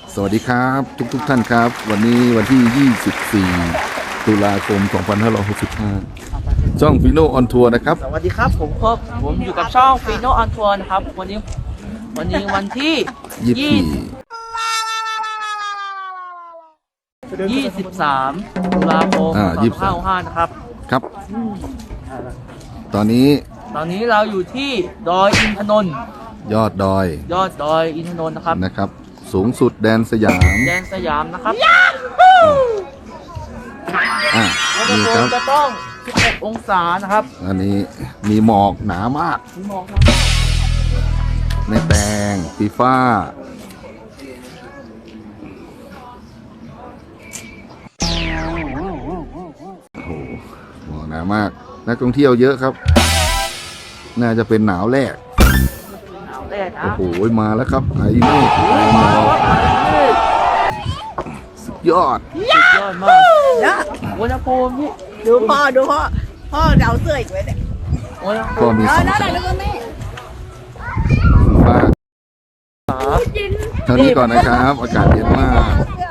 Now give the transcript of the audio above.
สวัสดีครับทุกท่านครับวันนี้วันที่ 24 ตุลาคม 2565 ช่องฟิโนออนทัวร์นะครับสวัสดีครับผมอยู่กับช่องฟีโนออนทัวร์นะครับวันนี้วันที่ 23 ตุลาคม 2565นะครับครับ ตอนนี้ตอนนี้เราอยู่ที่ดอยอินทนนท์ยอดดอยยอดดอยอินทนนท์นะครับสูงสุดแดนสยามแดนสยามนะครับ อุณหนี่ภูครัมิบจะต้อง 16 องศานะครับอันนี้มีหมอกหนามากมีหมอกนะในแตงฟีฟ้าโอ้โหหมอกหนามาก นักท่องเที่ยวเยอะครับ น่าจะเป็นหนาวแรกหนาวแรกนะโอ้โหมาแล้วครับไอ้เมฆไอ้หมอกสุดยอดสุดยอดมากนะอุณหภูมิที่ดูพ่อพ่อเดาเสื้ออีกไว้เนี่ยอุณหภูก็มิมีสองนั่นชั้นแล้วก็แม่ฟ้าเท่านี้ก่อนนะครับ อากาศเย็นมากเสื้อ